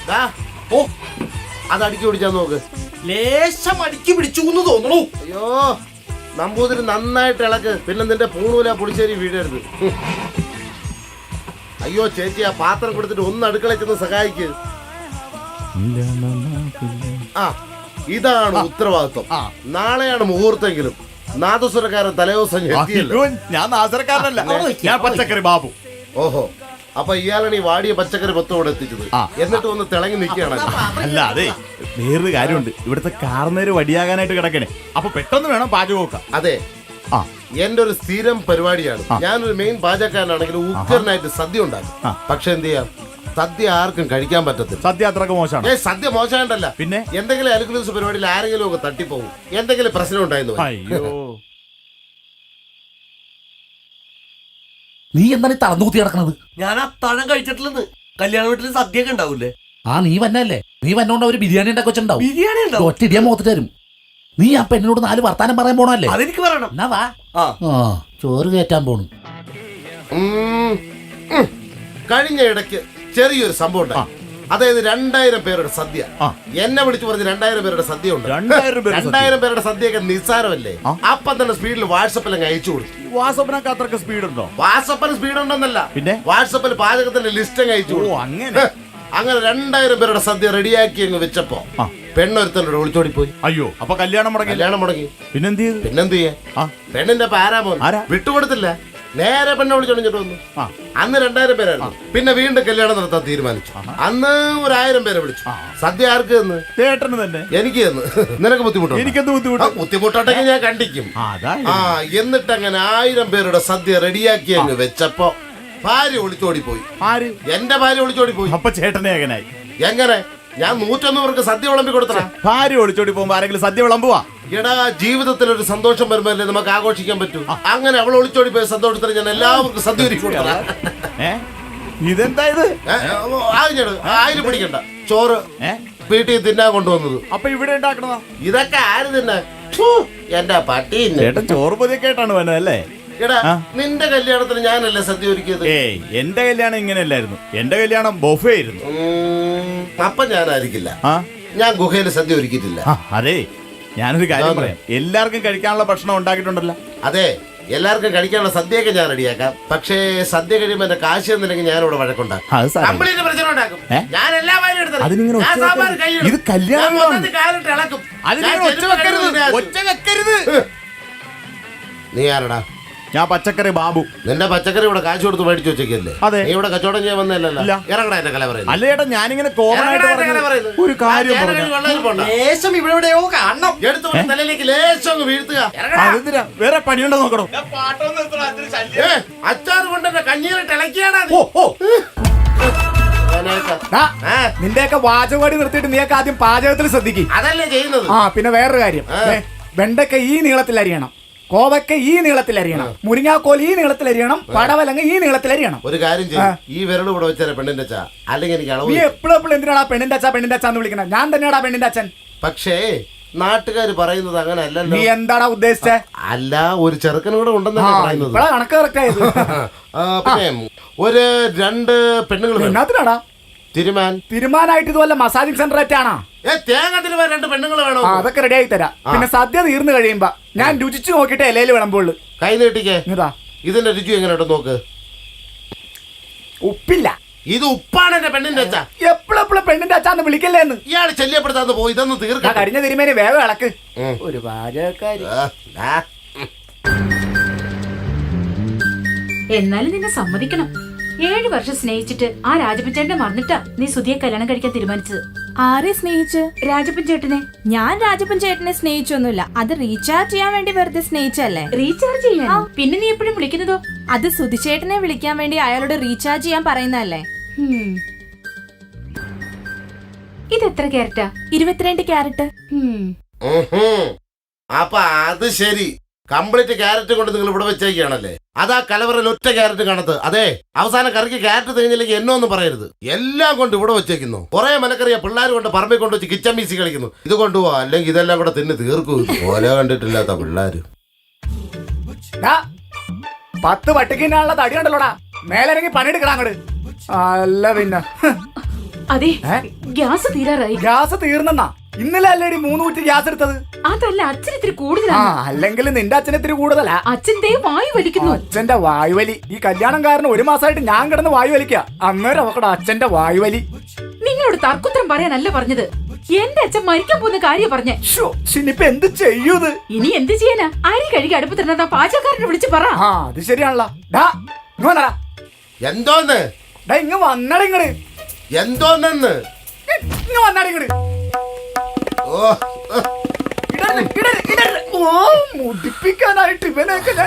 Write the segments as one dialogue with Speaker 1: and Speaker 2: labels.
Speaker 1: ഓ അത് അടുക്കി പിടിച്ചാൽ നോക്ക്.
Speaker 2: ലേശം അടുക്കി പിടിച്ചു എന്ന് തോന്നണു.
Speaker 1: അയ്യോ നമ്പൂതിരി നന്നായിട്ട് ഇളക്ക്, പിന്നെ നിന്റെ പൂണൂല പുളിശ്ശേരി വീഴരുത്. അയ്യോ ചേച്ചി ആ പാത്രം കൊടുത്തിട്ട് ഒന്ന് അടുക്കളയിൽ ചെന്ന് സഹായിക്ക്. ആ ഇതാണ് ഉത്തരവാദിത്വം. നാളെയാണ് മുഹൂർത്തെങ്കിലും നാദസ്വരക്കാരൻ തലേദിവസം എത്തിയല്ലോ.
Speaker 3: ഞാൻ നാദസ്വരക്കാരനല്ല, ഞാൻ പച്ചക്കറി ബാബു.
Speaker 1: ഓഹോ, അപ്പൊ ഇയാളാണ് ഈ വാടിയ പച്ചക്കറി പത്തോടെ എത്തിച്ചത്. എന്നിട്ട് ഒന്ന് തിളങ്ങി നിൽക്കുകയാണ്.
Speaker 3: അല്ല അതെ, വേറൊരു കാര്യമുണ്ട്. ഇവിടുത്തെ കാർന്നേര് വടിയാകാനായിട്ട് കിടക്കണേ, അപ്പൊ പെട്ടെന്ന് വേണം പാചകമൊക്കെ.
Speaker 1: അതെ, എന്റെ ഒരു സ്ഥിരം പരിപാടിയാണ്. ഞാനൊരു മെയിൻ പാചകക്കാരനാണെങ്കിൽ ഉഗ്രനായിട്ട് സദ്യ ഉണ്ടാക്കും. പക്ഷെ എന്ത് ചെയ്യാം, സദ്യ ആർക്കും കഴിക്കാൻ പറ്റത്തില്ല.
Speaker 3: സദ്യ അത്രക്ക് മോശമാണ്.
Speaker 1: സദ്യ മോശമായിട്ടല്ല, പിന്നെ എന്തെങ്കിലും അലുക്കുലൂസ് പരിപാടിയിൽ ആരെങ്കിലും ഒക്കെ തട്ടിപ്പോകും, എന്തെങ്കിലും പ്രശ്നം ഉണ്ടായിരുന്നു.
Speaker 3: അയ്യോ,
Speaker 4: നീ എന്താണ് തളർന്നുകുത്തി കിടക്കണത്?
Speaker 2: ഞാൻ അത്താഴം കഴിച്ചിട്ടില്ലെന്ന്. കല്യാണ വീട്ടിൽ സദ്യ ഒക്കെ ഉണ്ടാവൂലേ?
Speaker 4: നീ വന്നല്ലേ, നീ വന്നോണ്ട് ഒരു ബിരിയാണി ഉണ്ടാക്കി വെച്ചിട്ടുണ്ടാവും.
Speaker 2: ബിരിയാണി ഉണ്ടാവും.
Speaker 4: ഒറ്റ ഇടിയാ മുഖത്ത് തരും. നീ ആ പെണ്ണിനോട് 4 വർത്താനം പറയാൻ പോണല്ലേ?
Speaker 2: അതെനിക്ക് പറയണം.
Speaker 4: എന്നാ വാ. ചോറ് കയറ്റാൻ പോണു.
Speaker 1: കഴിഞ്ഞ ഇടയ്ക്ക് ചെറിയൊരു സംഭവം ഉണ്ടായി. അതായത് 2000 പേരുടെ സദ്യ. എന്നെ വിളിച്ചു പറഞ്ഞ് 2000 പേരുടെ സദ്യ ഉണ്ട്. 2000 പേരുടെ സദ്യയൊക്കെ നിസ്സാരമല്ലേ? അപ്പം തന്നെ സ്പീഡിൽ വാട്സപ്പിൽ അങ്ങ് അയച്ചു കൊടുത്തു.
Speaker 3: വാട്സപ്പിനൊക്കെ അത്രക്ക് സ്പീഡ് ഉണ്ടോ?
Speaker 1: വാട്സപ്പിന് സ്പീഡ് ഉണ്ടെന്നല്ല,
Speaker 3: പിന്നെ
Speaker 1: വാട്സപ്പിൽ പാചകത്തിന്റെ ലിസ്റ്റ് അങ്ങ് അയച്ചു കൊടുത്തു. അങ്ങനെ 2000 പേരുടെ സദ്യ റെഡിയാക്കി അങ്ങ് വെച്ചപ്പോ പെണ്ണൊരുത്തനോട് ഒളിച്ചോടി പോയി.
Speaker 3: അയ്യോ, അപ്പൊ കല്യാണം മുടങ്ങി. പിന്നെന്ത്
Speaker 1: ചെയ്യാ? പെണ്ണിന്റെ പാരാമോൻ വിട്ടുകൊടുത്തില്ല. നേരെ പെണ്ണെ വിളിച്ചോണ്ടിട്ട് വന്നു. അന്ന് 2000 പേരായിരുന്നു. പിന്നെ വീണ്ടും കല്യാണം നടത്താൻ തീരുമാനിച്ചു. അന്ന് 1000 പേരെ വിളിച്ചു. സദ്യ ആർക്ക് തന്നു?
Speaker 3: ചേട്ടന് തന്നെ.
Speaker 1: എനിക്ക് തന്നു. നിനക്ക് ബുദ്ധിമുട്ടോ?
Speaker 3: എനിക്കെന്ത് ബുദ്ധിമുട്ട്?
Speaker 1: ബുദ്ധിമുട്ടോട്ടെങ്കിൽ ഞാൻ കണ്ടിക്കും. എന്നിട്ട് അങ്ങനെ 1000 പേരുടെ സദ്യ റെഡിയാക്കി അങ്ങ് വെച്ചപ്പോ ഭാര്യ ഒളിച്ചോടി പോയി. എന്റെ ഭാര്യ ഒളിച്ചോടി പോയി.
Speaker 3: അപ്പൊ ചേട്ടനെ എങ്ങനായി?
Speaker 1: എങ്ങനെ? ഞാൻ 101 പേർക്ക് സദ്യ വിളമ്പി കൊടുത്ത.
Speaker 3: ഭാര്യ ഒളിച്ചോടി പോകുമ്പോ ആരെങ്കിലും സദ്യ വിളമ്പുവാ?
Speaker 1: എടാ, ജീവിതത്തിൽ ഒരു സന്തോഷം വരുമ്പോഴല്ലേ നമുക്ക് ആഘോഷിക്കാൻ പറ്റൂ. അങ്ങനെ അവൾ ഒളിച്ചോടി പോയ സന്തോഷത്തിന് ഞാൻ എല്ലാവർക്കും സദ്യ ഒരുക്കി കൊടുത്ത.
Speaker 3: ഇതെന്താ ഇത്?
Speaker 1: ആയിരം പിടിക്കണ്ട ചോറ് വീട്ടിൽ തിന്നാൻ കൊണ്ടുവന്നത്.
Speaker 3: അപ്പൊ ഇവിടെ ഉണ്ടാക്കണതാ?
Speaker 1: ഇതൊക്കെ ആര് തിന്നാ? എന്റെ പട്ടി.
Speaker 3: ചേട്ടൻ ചോറ് പൊതിയൊക്കെ ആയിട്ടാണ് വന്നത് അല്ലേ?
Speaker 1: എടാ, നിന്റെ കല്യാണത്തിന് ഞാനല്ലേ സദ്യ ഒരുക്കിയത്?
Speaker 3: എന്റെ കല്യാണം ഇങ്ങനെയല്ലായിരുന്നു. എന്റെ കല്യാണം ബൊഫേ ആയിരുന്നു.
Speaker 1: അപ്പൊ ഞാനായിരിക്കില്ല, ഞാൻ ഗുഹയിൽ സദ്യ ഒരുക്കിയിട്ടില്ല.
Speaker 3: അതെ, ഞാനൊരു കാര്യം പറയാം. എല്ലാവർക്കും കഴിക്കാനുള്ള ഭക്ഷണം ഉണ്ടാക്കിയിട്ടുണ്ടല്ലോ.
Speaker 1: അതെ, എല്ലാവർക്കും കഴിക്കാനുള്ള സദ്യയൊക്കെ ഞാൻ റെഡിയാക്കാം. പക്ഷേ സദ്യ കഴിയുമ്പോ എന്റെ കാശ് തന്നില്ലെങ്കിൽ ഞാനിവിടെ വഴക്കുണ്ടാക്കും. നീ ആരടാ?
Speaker 3: ഞാൻ പച്ചക്കറി ബാബു.
Speaker 1: നിന്റെ പച്ചക്കറി ഇവിടെ കാശ് കൊടുത്ത് മേടിച്ചു വെച്ചേക്കല്ലേ?
Speaker 3: അതെ.
Speaker 1: നീ ഇവിടെ കച്ചവടം ചെയ്യാൻ വന്നല്ലോ. ഇറങ്ങടാ എന്റെ കല പറയുന്നത്.
Speaker 3: അല്ല ചേട്ടാ, ഞാനിങ്ങനെ കോമൺ ആയിട്ട് ഒരു കാര്യം
Speaker 1: തലയിലേക്ക് ലേശം വീഴ്ത്തുക.
Speaker 3: വേറെ പണിയുണ്ടോ നോക്കണോ?
Speaker 1: അച്ചാറ് കൊണ്ട് എന്റെ കഞ്ഞീരിട്ട് ഇളക്കിയാടാ.
Speaker 5: നിന്റെയൊക്കെ വാചകവാടി നിർത്തിയിട്ട് നീയൊക്കെ ആദ്യം പാചകത്തിൽ ശ്രദ്ധിക്കും.
Speaker 1: അതല്ലേ ചെയ്യുന്നത്.
Speaker 5: പിന്നെ വേറൊരു കാര്യം, വെണ്ടയ്ക്ക ഈ നീളത്തിൽ അരിയണം, കോവയ്ക്ക ഈ നീളത്തിൽ അരിയണം, മുരിങ്ങാക്കോൽ ഈ നീളത്തിൽ അരിയണം, പടവലങ്ങ ഈ നീളത്തിൽ അരിയണം.
Speaker 1: ഒരു കാര്യം ചെയ്യും, ഈ വിരൽ ഇവിടെ വെച്ചാൽ പെണ്ണിന്റെ അച്ഛ, അല്ലെങ്കിൽ എനിക്ക്
Speaker 5: നീ എപ്പോഴും എന്തിനാടാ പെണ്ണിന്റെ അച്ഛാന്ന് വിളിക്കണം? ഞാൻ തന്നെയാടാ പെണ്ണിന്റെ അച്ഛൻ.
Speaker 1: പക്ഷേ നാട്ടുകാര് പറയുന്നത് അങ്ങനെ അല്ലല്ലോ.
Speaker 5: നീ എന്താടാ ഉദ്ദേശിച്ചേ?
Speaker 1: അല്ല, ഒരു ചെറുക്കനും കൂടെ ഉണ്ടെന്നാണ് പറയുന്നത്.
Speaker 5: കണക്ക് കറക്റ്റ് ആയത്.
Speaker 1: പിന്നെ ഒരു 2 പെണ്ണുങ്ങൾ.
Speaker 5: എന്നാത്തിനാടാ?
Speaker 1: തിരുമാനായിട്ട്
Speaker 5: ഇതുപോലെ മസാജിങ് സെന്റർ ആയിട്ടാണോ?
Speaker 1: തേങ്ങ തിരുമാൻ 2 പെണ്ണുങ്ങൾ വേണോ?
Speaker 5: അതൊക്കെ റെഡി ആയി തരാം. പിന്നെ സദ്യ തീർന്നു കഴിയുമ്പോ ഞാൻ രുചിച്ചു നോക്കിട്ട് ഇലയിൽ വിളമ്പുള്ളൂ.
Speaker 1: കൈ നീട്ടിക്കേ. ഇതിന്റെ രുചി എങ്ങനെ നോക്ക്.
Speaker 5: ഉപ്പില്ല.
Speaker 1: ഇത് ഉപ്പാണ് എന്റെ പെണ്ണിന്റെ അച്ഛ.
Speaker 5: എപ്പോഴെപ്പോഴും പെണ്ണിന്റെ അച്ഛാന്ന് വിളിക്കല്ലേന്ന്
Speaker 1: ഇയാൾ ശല്യപ്പെടുത്താന്ന് പോയി. ഇതൊന്ന് തീർക്കാം.
Speaker 5: കഴിഞ്ഞ തിരുമേനി വേഗം ഇളക്ക്. ഒരു പാചകക്കാരി.
Speaker 6: എന്നാലും നിന്നെ സമ്മതിക്കണം. 7 വർഷം സ്നേഹിച്ചിട്ട് ആ രാജപ്പൻചേട്ടനെ മറന്നിട്ടാ നീ സുധിയെ കല്യാണം കഴിക്കാൻ തീരുമാനിച്ചത്.
Speaker 7: ആരെ സ്നേഹിച്ച്?
Speaker 6: രാജപ്പൻചേട്ടനെ.
Speaker 7: ഞാൻ രാജപ്പൻചേട്ടനെ സ്നേഹിച്ചൊന്നുമില്ല. അത് റീചാർജ് ചെയ്യാൻ വേണ്ടി വെറുതെ സ്നേഹിച്ചല്ലേ.
Speaker 6: റീചാർജ് ചെയ്യാൻ? പിന്നെ നീ എപ്പോഴും വിളിക്കുന്നതോ?
Speaker 7: അത് സുധിച്ചേട്ടനെ വിളിക്കാൻ വേണ്ടി അയാളോട് റീചാർജ് ചെയ്യാൻ പറയുന്നതല്ലേ.
Speaker 6: ഇതെത്ര ക്യാരറ്റാ?
Speaker 7: 22 ക്യാരറ്റ്.
Speaker 1: അപ്പൊ അത് ശരി, കംപ്ലീറ്റ് ക്യാരറ്റ് കൊണ്ട് നിങ്ങൾ ഇവിടെ വെച്ചേക്കാണല്ലേ? അതാ കലവറയിൽ ഒറ്റ ക്യാരറ്റ് കാണത്ത്. അതെ, അവസാനം കറിക്ക് ക്യാരറ്റ് തികഞ്ഞില്ലെങ്കിൽ എന്നോ ഒന്നും പറയരുത്. എല്ലാം കൊണ്ട് ഇവിടെ വെച്ചേക്കുന്നു. കുറെ മലക്കറിയ പിള്ളേർ കൊണ്ട് പറമ്പിൽ കൊണ്ട് വെച്ച് കിച്ചൻ മീസി കളിക്കുന്നു. ഇത് കൊണ്ടുപോവാ, അല്ലെങ്കിൽ ഇതെല്ലാം കൂടെ തിന്ന് തീർക്കൂ. ഓല കണ്ടിട്ടില്ലാത്ത പിള്ളേര്.
Speaker 5: 10 പട്ടിക്കിനുള്ള തടി ഉണ്ടല്ലോടാ. മേലിറങ്ങി പണിയെടുക്കണം അങ്ങോട്ട്. അല്ല പിന്നെ
Speaker 6: അതെ
Speaker 5: ഏ?
Speaker 6: ഗ്യാസ് തീരാറായി.
Speaker 5: ഗ്യാസ് തീർന്നെന്നാ? ഇന്നലെ അല്ലേടി 3 കുറ്റി ഗ്യാസ് എടുത്തത്?
Speaker 6: അതല്ല, അച്ഛൻ ഇത്തിരി
Speaker 5: ആ
Speaker 6: കൂടുതലാണ്.
Speaker 5: അല്ലെങ്കിൽ നിന്റെ അച്ഛൻ ഇത്തിരി കൂടുതലാ.
Speaker 6: അച്ഛന്റെ വായു വലിക്കുന്നു.
Speaker 5: അച്ഛന്റെ വായുവലി. ഈ കല്യാണം കാരണം 1 മാസമായിട്ട് ഞാൻ കിടന്ന് വായു വലിക്ക. അന്നേരം അവക്കടെ അച്ഛന്റെ വായുവലി.
Speaker 6: നിങ്ങളോട് തർക്കുത്തരം പറയാനല്ല പറഞ്ഞത്. എന്റെ അച്ഛൻ മരിക്കാൻ പോകുന്ന കാര്യം പറഞ്ഞേ.
Speaker 5: ഇനിയിപ്പൊ എന്ത് ചെയ്യൂത്?
Speaker 6: ഇനി എന്ത് ചെയ്യാനാ? അരി കഴുകി അടുപ്പത്തിരുന്ന പാചകക്കാരനെ വിളിച്ച് പറ.
Speaker 5: ആ അത് ശരിയാണല്ലോ. ഡാ ഇങ്ങ് വന്നടാ.
Speaker 1: എന്തോന്ന്
Speaker 5: ഡാ ഇങ്ങ് വന്നടാ. ഇങ്ങട്
Speaker 1: എന്തോന്നെന്ന്
Speaker 5: ഇങ്ങ് വന്നടാ. ഇങ്ങട്
Speaker 1: ഓ
Speaker 5: ഇടരുത്, ഇടരുത്, ഇടരുത്. ഓ മുടിപ്പിക്കാനായിട്ട് ഇവനൊക്കെ ഞാൻ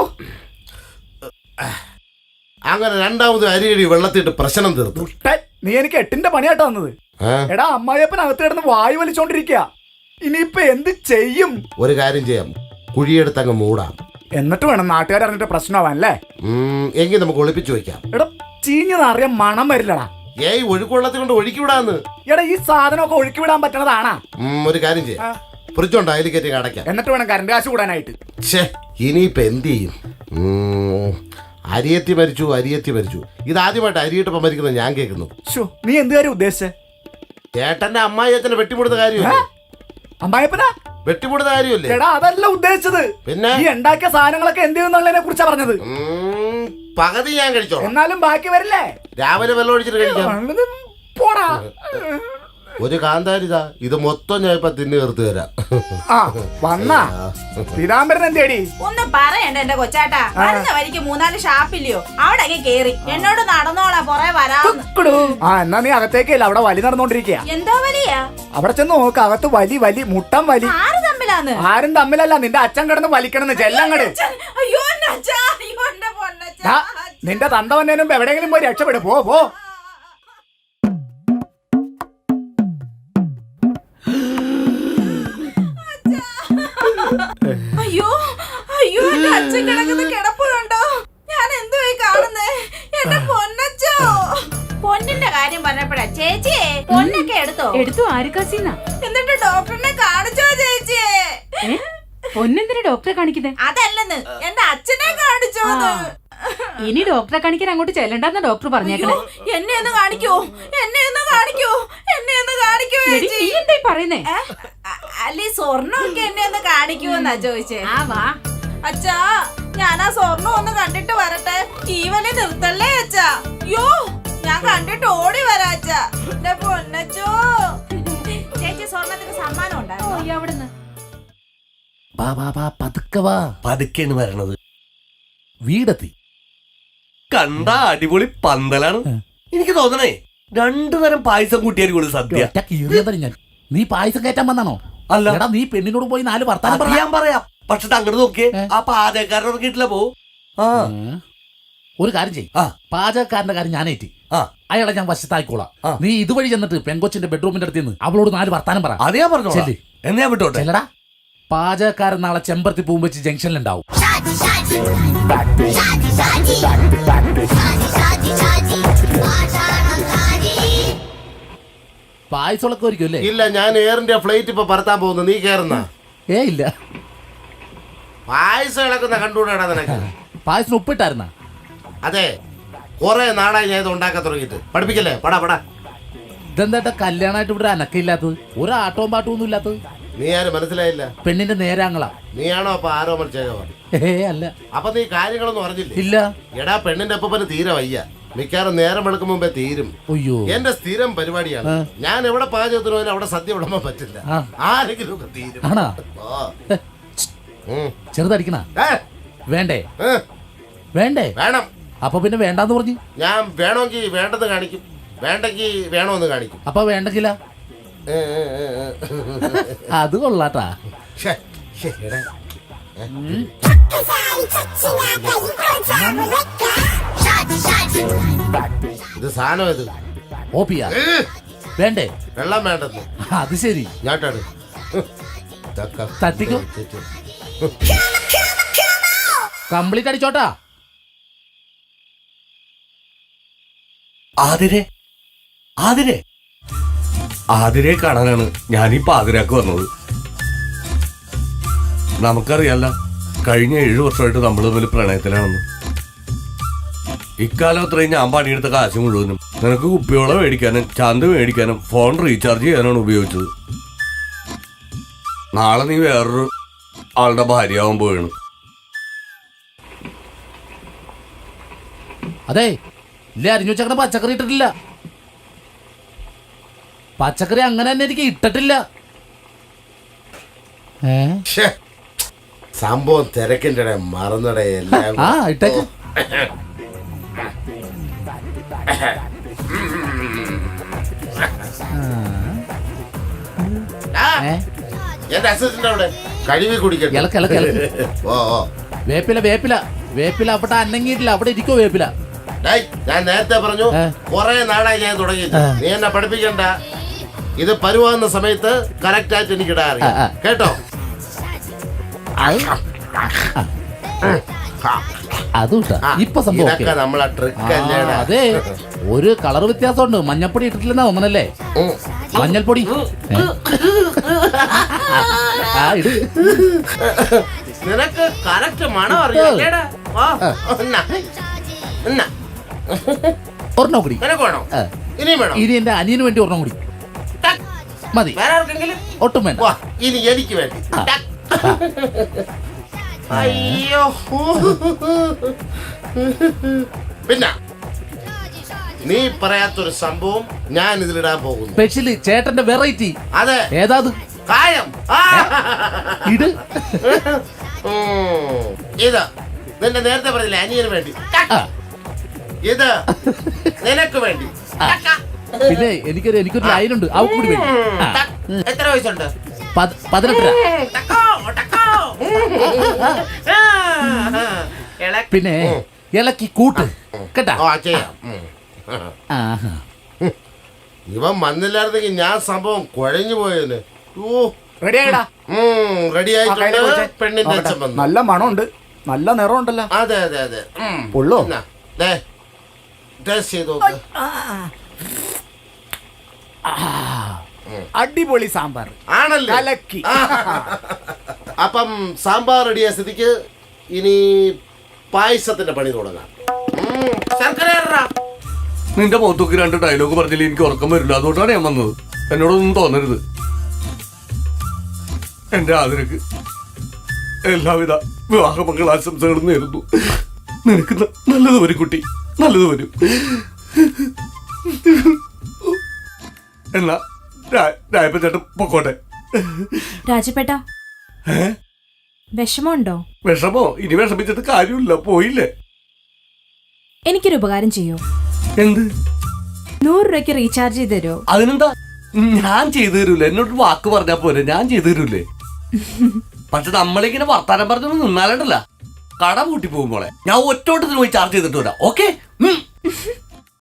Speaker 1: അങ്ങനെ രണ്ടാമത് അരിയടി വെള്ളത്തിട്ട് പ്രശ്നം തീർത്തു.
Speaker 5: ദുഷ്ടൻ. നീ എനിക്ക് 8ന്റെ പണിയാട്ടോ വന്നത്. എടാ അമ്മായിയപ്പൻ അകത്ത് കിടന്ന് വായു വലിച്ചോണ്ടിരിക്കുക. ഇനിയിപ്പൊ എന്ത് ചെയ്യും?
Speaker 1: ഒരു കാര്യം ചെയ്യാം, കുഴിയെടുത്ത് അങ്ങ് മൂടാം.
Speaker 5: എന്നിട്ട് വേണം നാട്ടുകാർ അറിഞ്ഞിട്ട് പ്രശ്നമാവാനല്ലേ?
Speaker 1: എങ്കിൽ നമുക്ക് ഒളിപ്പിച്ചു വെക്കാം.
Speaker 5: എടാ ചീഞ്ഞതറിയാൻ മണം വരില്ലടാ.
Speaker 1: ഏയ് ഒഴുക്കുവെള്ളത്തിൽ കൊണ്ട് ഒഴുക്കി വിടാന്ന്.
Speaker 5: എടാ ഈ സാധനമൊക്കെ ഒഴുക്കി വിടാൻ പറ്റണതാണാ?
Speaker 1: ഒരു കാര്യം ചെയ്യാം, ഫ്രിഡ്ജുണ്ടോ അതിൽ കയറ്റി അടയ്ക്കാം.
Speaker 5: എന്നിട്ട് വേണം കറണ്ട് കാശ് കൂടാനായിട്ട്.
Speaker 1: ഛേ ഇനിയിപ്പൊ എന്ത് ചെയ്യും? അരിയത്തി മരിച്ചു, അരിയത്തി മരിച്ചു. ഇതാദ്യമായിട്ട് അരിയിട്ടപ്പം മരിക്കുന്നത് ഞാൻ കേൾക്കുന്നു.
Speaker 5: നീ എന്ത് കാര്യം ഉദ്ദേശിച്ചേ?
Speaker 1: ചേട്ടന്റെ അമ്മായി അച്ഛനെ വെട്ടിമുടുന്ന കാര്യമല്ലേ?
Speaker 5: അമ്മായിപ്പനാ
Speaker 1: വെട്ടിമുടുന്ന കാര്യമല്ലേ?
Speaker 5: എടാ അതല്ല ഉദ്ദേശിച്ചത്.
Speaker 1: പിന്നെ
Speaker 5: ഈ ഉണ്ടാക്കിയ സാധനങ്ങളൊക്കെ എന്ത് ചെയ്യുന്നുള്ളതിനെ കുറിച്ചാ പറഞ്ഞത്.
Speaker 1: പകുതി ഞാൻ കഴിച്ചോളാം.
Speaker 5: എന്നാലും ബാക്കി വരില്ലേ?
Speaker 1: രാവിലെ വെള്ളം ഒഴിച്ചിട്ട് കഴിക്കാം.
Speaker 5: പോടാ.
Speaker 1: ഒരു കാന്താരിതാ, ഇത് മൊത്തം ഞാൻ ഇപ്പൊ തിന്നു ചേർത്ത് തരാം.
Speaker 5: ആ വന്നാ പീതാംബരൻ എന്തേടി?
Speaker 8: ഒന്നും പറയണ്ട എന്റെ കൊച്ചാട്ടാ. വരുന്ന വരിക്ക് 3-4 ഷാപ്പില്ലയോ, അവിടെ കേറി എന്നോട് നടന്നോളാ പുറേ വരാന്ന്.
Speaker 5: ആ എന്നാ നീ അകത്തേക്കല്ല, അവിടെ വലി നടന്നോണ്ടിരിക്കുക.
Speaker 8: എന്തോ വലിയാ?
Speaker 5: അവിടെ ചെന്ന് നോക്ക്, അകത്ത് വലി വലി മുട്ടം വലി.
Speaker 8: ആര് തമ്മിലാന്ന്?
Speaker 5: ആരും തമ്മിലല്ല, നിന്റെ അച്ഛൻ കിടന്ന് വലിക്കണെന്ന്. ചെല്ലങ്ങട്.
Speaker 8: അയ്യോ എന്റെ അച്ഛാ, അയ്യോ എന്റെ പൊന്നച്ഛാ.
Speaker 5: ദാ, നിന്റെ തന്ത വന്നതിനും എവിടെയെങ്കിലും പോയി രക്ഷപ്പെടും. പോ പോ.
Speaker 8: അയ്യോ അയ്യോ എന്റെ അച്ഛൻ കിടക്കുന്ന കിടപ്പുണ്ടോ? ഞാൻ എന്തുവായി കാണുന്നേ? എന്റെ പൊന്നച്ചോ. പൊന്നിന്റെ കാര്യം പറഞ്ഞപ്പോഴാ ചേച്ചിയെ പൊന്നൊക്കെ
Speaker 6: എടുത്തു ആരുക്കാസിന്നാ.
Speaker 8: എന്നിട്ട് ഡോക്ടറിനെ കാണിച്ചോ ചേച്ചിയെ?
Speaker 6: പൊന്നെന്തിനാ ഡോക്ടറെ കാണിക്കുന്നേ?
Speaker 8: അതല്ലെന്ന്, എന്റെ അച്ഛനെ കാണിച്ചോന്ന്.
Speaker 6: ഇനി ഡോക്ടറെ കാണിക്കാൻ അങ്ങോട്ട് ചെല്ലണ്ടെന്ന ഡോക്ടർ പറഞ്ഞേക്കണേ.
Speaker 8: എന്നെ ഒന്ന് കാണിക്കോ, എന്നെ ഒന്ന് കാണിക്കോ, എന്നെ ഒന്ന് കാണിക്കോ
Speaker 6: എടി, നീ എന്തായി പറയുന്നേ?
Speaker 8: അല്ലെ സ്വർണ്ണമൊക്കെ എന്നെ ഒന്ന് കാണിക്കുമെന്നാ ചോദിച്ചേ.
Speaker 6: ആ വാ.
Speaker 8: അച്ഛാ ഞാൻ ആ സ്വർണ്ണം ഒന്ന് കണ്ടിട്ട് വരട്ടെ. ഈ വലി നിർത്തല്ലേ അച്ഛാ? യോ ഞാൻ കണ്ടിട്ട് ഓടി വരാ അച്ഛാ. എന്റെ പൊന്നച്ചോ. ചേച്ചി സ്വർണ്ണത്തിന് സമ്മാനം ഉണ്ടായിരുന്നു.
Speaker 6: അവിടുന്ന്
Speaker 4: വാ വാ വാ, പതുക്കെ വാ.
Speaker 2: പതുക്കെയാണ് വരണത്.
Speaker 4: വീടെത്തി.
Speaker 2: കണ്ട അടിപൊളി പന്തലാണ്. എനിക്ക് തോന്നണേ 2 തരം പായസം കൂട്ടിയായിരിക്കും സദ്യ.
Speaker 4: ഒറ്റ കീറിയതറി ഞാൻ. നീ പായസം കയറ്റാൻ വന്നാണോ?
Speaker 2: അല്ല.
Speaker 4: എടാ നീ പെണ്ണിനോട് പോയി 4 വർത്താനം
Speaker 2: അത്
Speaker 4: പറ.
Speaker 2: ഞാൻ പറയാം. പക്ഷെ അങ്ങോട്ട് നോക്കിയേ, ആ പാചകക്കാരൻ ഇറങ്ങിയിട്ടില്ല. പോ. ആ
Speaker 4: ഒരു കാര്യം ചെയ്യ്.
Speaker 2: ആ.
Speaker 4: പാചകക്കാരന്റെ കാര്യം ഞാനേറ്റി.
Speaker 2: ആ
Speaker 4: അയാളെ ഞാൻ വശത്തായിക്കോളാം.
Speaker 2: ആ.
Speaker 4: നീ ഇതുവഴി ചെന്നിട്ട് പെങ്കൊച്ചിന്റെ ബെഡ്റൂമിന്റെ അടുത്ത് നിന്ന് അവളോട് 4 വർത്താനം പറ.
Speaker 2: അത് ഞാൻ പറഞ്ഞോളാം.
Speaker 4: ചെല്ല്.
Speaker 2: എന്നെ ഞാൻ വിട്ടോട്ടെ.
Speaker 4: ചെല്ലടാ. പാചകക്കാരൻ നാളെ ചെമ്പരത്തി പൂവും വെച്ച് ജംഗ്ഷനിലുണ്ടാവും. പായസമൊക്കെ ഒരിക്കും അല്ലേ?
Speaker 1: ഇല്ല, ഞാൻ എയർ ഇന്ത്യ ഫ്ലൈറ്റ് ഇപ്പൊ പറത്താൻ പോകുന്നു. നീ കേറുന്ന
Speaker 4: ഇല്ല.
Speaker 1: പായസം ഇളക്കുന്ന കണ്ടുകൂടാ നിനക്ക്?
Speaker 4: പായസം ഉപ്പിട്ടായിരുന്ന?
Speaker 1: അതെ, കുറെ നാളായി ഞാൻ ഇത് ഉണ്ടാക്കാൻ തുടങ്ങിയിട്ട്. പഠിപ്പിക്കല്ലേ? പടാ പടാ.
Speaker 4: ഇതെന്താ കല്യാണമായിട്ട് ഇവിടെ അനക്കില്ലാത്തത്? ഒരു ആട്ടവും പാട്ടവും ഒന്നും ഇല്ലാത്തത്?
Speaker 1: നീ ആരും മനസ്സിലായില്ല.
Speaker 4: പെണ്ണിന്റെ നേരാങ്ങളാ.
Speaker 1: നീയാണോ അപ്പൊ ആരോമൽ ചെയ്തവൻ?
Speaker 4: അല്ല.
Speaker 1: അപ്പൊ നീ കാര്യങ്ങളൊന്നും അറിഞ്ഞില്ലേ?
Speaker 4: ഇല്ല.
Speaker 1: എടാ പെണ്ണിന്റെ അപ്പന് തീരെ വയ്യ. മിക്കാറും നേരം വെളുക്കും മുമ്പേ തീരും.
Speaker 4: അയ്യോ,
Speaker 1: എന്റെ സ്ഥിരം പരിപാടിയാണ്. ഞാൻ എവിടെ പാചകത്തിന് പോയാലും അവിടെ സദ്യ വിടുമ്പോ പറ്റില്ല. ആരെങ്കിലും ഒക്കെ തീരും.
Speaker 4: ആണാ?
Speaker 1: ഓ.
Speaker 4: ചെറുതടിക്കണ വേണ്ടേ? വേണ്ടേ?
Speaker 1: വേണം.
Speaker 4: അപ്പൊ പിന്നെ വേണ്ടാന്ന് പറഞ്ഞു.
Speaker 1: ഞാൻ വേണമെങ്കിൽ വേണ്ടെന്ന് കാണിക്കും, വേണ്ടെങ്കിൽ വേണമെന്ന് കാണിക്കും.
Speaker 4: അപ്പൊ വേണ്ടെങ്കില? അത് കൊള്ളാട്ടാ.
Speaker 1: ഇത് സാധനം ഇത്
Speaker 4: ഓപ്പിയാ വേണ്ടേ?
Speaker 1: വെള്ളം വേണ്ടെന്ന്.
Speaker 4: അത് ശരി.
Speaker 1: ഞാട്ടാണ്
Speaker 4: തട്ടിക്കോ. കംപ്ലീറ്റ് അടിച്ചോട്ടാ.
Speaker 2: ആതിരെ കാണാനാണ് ഞാൻ ഈ പാതിരാക്ക് വന്നത്. നമുക്കറിയാല്ല, കഴിഞ്ഞ 7 വർഷമായിട്ട് നമ്മൾ തമ്മിൽ പ്രണയത്തിലാണെന്ന്. ഇക്കാലം അത്രയും ഞാൻ പണിയെടുത്ത കാശ് മുഴുവനും നിനക്ക് കുപ്പിവെള്ളം മേടിക്കാനും ചന്ത മേടിക്കാനും ഫോൺ റീചാർജ് ചെയ്യാനാണ് ഉപയോഗിച്ചത്. നാളെ നീ വേറൊരു ആളുടെ ഭാര്യയാവാൻ പോവാണ്.
Speaker 4: അതെ ഇല്ല, അരിഞ്ഞു വെച്ചങ്ങനെ പച്ചക്കറി ഇട്ടിട്ടില്ല. പച്ചക്കറി അങ്ങനെ തന്നെ എനിക്ക് ഇട്ടിട്ടില്ല.
Speaker 1: ശ്ശേ, സംഭവം തിരക്കിന്റെ മറന്നടേ എല്ലാം.
Speaker 4: ആ ഇട്ടേക്ക്.
Speaker 1: ആ, എന്റെ അസിസ്റ്റന്റ് അവിടെ കഴുകി കുടിക്കട്ടെ.
Speaker 4: ഇളക്ക് ഇളക്ക് ഇളക്ക്.
Speaker 1: ഓ ഓ
Speaker 4: വേപ്പില വേപ്പില വേപ്പില അവിടെ അനങ്ങിയിട്ടില്ല, അവിടെ ഇരിക്കോ വേപ്പില.
Speaker 1: ഡേയ്, ഞാൻ നേരത്തെ പറഞ്ഞു കുറെ നാളായി ഞാൻ തുടങ്ങിയിട്ട്. നീ എന്നെ പഠിപ്പിക്കണ്ട. ഇത് പരുവാകുന്ന സമയത്ത് കറക്റ്റ് ആയിട്ട് എനിക്ക് ഇടാൻ അറിയാം. കേട്ടോ?
Speaker 4: അതും ഇപ്പൊ സംഭവം
Speaker 1: ഇതൊക്കെ നമ്മളെ ട്രിക്ക് അല്ലേടാ.
Speaker 4: അതെ, ഒരു കളർ വ്യത്യാസമുണ്ട്. മഞ്ഞപ്പൊടി ഇട്ടിട്ടില്ലെന്നാ ഒന്നല്ലേ? മഞ്ഞൾപ്പൊടി ആ ഇട്.
Speaker 1: നിനക്ക് കറക്റ്റ് മണം അറിയാം.
Speaker 4: ഒരെണ്ണം കൂടി.
Speaker 1: നിനക്ക് വേണോ? ഇനിയും വേണോ?
Speaker 4: ഇനി എന്റെ അനിയന് വേണ്ടി ഒരെണ്ണം കൂടി മതി.
Speaker 1: വേറെ ആർക്കെങ്കിലും?
Speaker 4: ഒട്ടും വേണ്ട.
Speaker 1: വാ, ഇനി എനിക്ക് വേണ്ടി. അയ്യോ. പിന്നെ നീ പറയാത്തൊരു സംഭവം ഞാൻ ഇതിലിടാൻ പോകുന്നു.
Speaker 4: സ്പെഷ്യല് ചേട്ടന്റെ വെറൈറ്റി.
Speaker 1: അതെ,
Speaker 4: ഏതാത്?
Speaker 1: കായം.
Speaker 4: ഇട്.
Speaker 1: ഇത് നിന്റെ നേരത്തെ പറഞ്ഞില്ലേ അനിയന് വേണ്ടി.
Speaker 4: ആ.
Speaker 1: ഇത് നിനക്ക് വേണ്ടി.
Speaker 4: പിന്നെ എനിക്കൊരു ലൈനുണ്ട്, അവ കൂടി വേണ്ടി. ആ.
Speaker 1: എത്ര വയസ്സുണ്ട്?
Speaker 4: 18. പിന്നെ ഇളക്കി കൂട്ട് കേട്ടാ.
Speaker 1: ചെയ്യാം.
Speaker 4: ആഹാ.
Speaker 1: ഇവൻ വന്നില്ലായിരുന്നെങ്കിൽ ഞാൻ സംഭവം കുഴഞ്ഞു പോയേനെ.
Speaker 5: റെഡിയായിടാ.
Speaker 1: റെഡി ആയിട്ടുണ്ട്. പെണ്ണിന്റെ അച്ഛൻ വന്നു.
Speaker 5: നല്ല മണമുണ്ട്, നല്ല നിറമുണ്ടല്ലോ.
Speaker 1: അതെ അതെ അതെ.
Speaker 5: ഉള്ളോ?
Speaker 1: ടേസ്റ്റ് ചെയ്ത് നോക്ക്.
Speaker 5: അടിപൊളി സാമ്പാർ
Speaker 1: ആണല്ലേ?
Speaker 5: കലക്കി.
Speaker 1: അപ്പം സാമ്പാർ റെഡിയായ സ്ഥിതിക്ക് ഇനി പായസത്തിന്റെ പണി തുടങ്ങാം. ശർക്കര ഇടടാ.
Speaker 2: നിന്റെ മുഖത്തൊക്കെ 2 ഡയലോഗ് പറഞ്ഞില്ലേ എനിക്ക് ഉറക്കം വരില്ല. അതുകൊണ്ടാണ് ഞാൻ വന്നത്. എന്നോടൊന്നും തോന്നരുത്. എന്റെ ആദരക്ക് എല്ലാവിധ വിവാഹ മംഗളാശംസകളും നേരുന്നു. നിനക്ക് നല്ലത് വരും കുട്ടി, നല്ലത് വരും. എന്നാ രായപ്പൻ ചേട്ടൻ പൊക്കോട്ടെ.
Speaker 7: രാജപേട്ട വിഷമമുണ്ടോ?
Speaker 2: വിഷമോ? ഇനി വിഷമിച്ചിട്ട് കാര്യമില്ല, പോയില്ലേ.
Speaker 7: എനിക്കൊരു ഉപകാരം ചെയ്യോ?
Speaker 2: എന്ത്?
Speaker 7: 100 രൂപയ്ക്ക് റീചാർജ് ചെയ്ത് തരുമോ?
Speaker 2: അതിനെന്താ, ഞാൻ ചെയ്തു തരൂലേ. എന്നോട് വാക്ക് പറഞ്ഞാ പോരെ, ഞാൻ ചെയ്തു തരൂലേ. പക്ഷെ നമ്മളിങ്ങനെ വർത്താനം പറഞ്ഞൊന്നും നിന്നാലണ്ടല്ല കട പൂട്ടി പോകുമ്പോളെ ഞാൻ ഒറ്റോട്ടത്തിന് പോയി ചാർജ് ചെയ്തിട്ട് വരാം. ഓക്കെ.